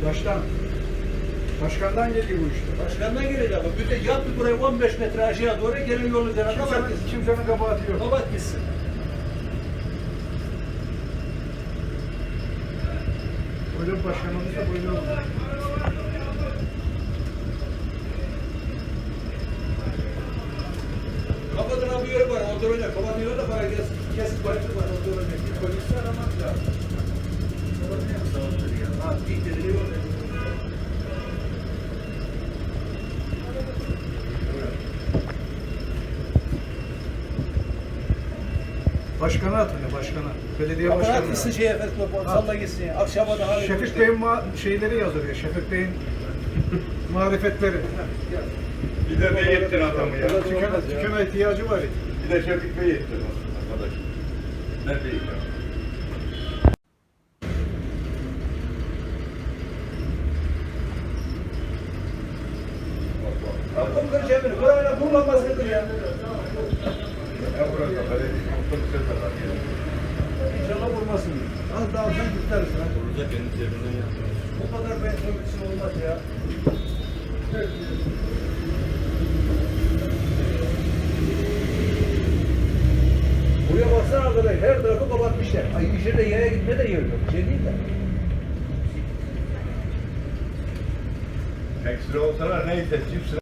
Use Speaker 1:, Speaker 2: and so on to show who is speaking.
Speaker 1: Baştan. Başkandan geliyor bu işte.
Speaker 2: Başkandan gelecek ama bütün yaptı burayı 15 metre aşağıya doğru gelin yolu üzerine kapat gitsin.
Speaker 1: Kimsenin kabahati yok.
Speaker 2: Kapat gitsin.
Speaker 1: Böyle bir başkanımız da böyle olur.
Speaker 2: Kapatın abi yer var, oturacak. Kapatıyor da para kesip başlık var, oturacak. Bir polisi aramak lazım. Kapatıyor musun? Ha, bir dedi, yok dedi.
Speaker 1: Başkana atın ya, başkana. Belediye
Speaker 2: Kapat
Speaker 1: başkanı.
Speaker 2: gitsin şeye, salla gitsin ya. Akşama daha
Speaker 1: Şefik Bey'in şeyleri yazıyor. Şefik Bey'in marifetleri.
Speaker 3: Bir de ne yettin adamı ya?
Speaker 1: Tükene ihtiyacı var ya.
Speaker 3: Bir de Şefik Bey yettin arkadaş. Ne diyeyim ya?
Speaker 2: Aklım kır cebini, burayla kullanmasını kır ya.
Speaker 3: Ya burada böyle otobüse kadar ya.
Speaker 2: İnşallah vurmasın. Az daha sen tutarız ha.
Speaker 3: Burada kendi cebinden yapıyor.
Speaker 2: O kadar petrol için olmaz ya. Buraya baksana arkadaş, her tarafı kapatmışlar. Ay içeride yaya gitme de yer yok. Şey değil de.
Speaker 3: Ekstra olsalar neyse cips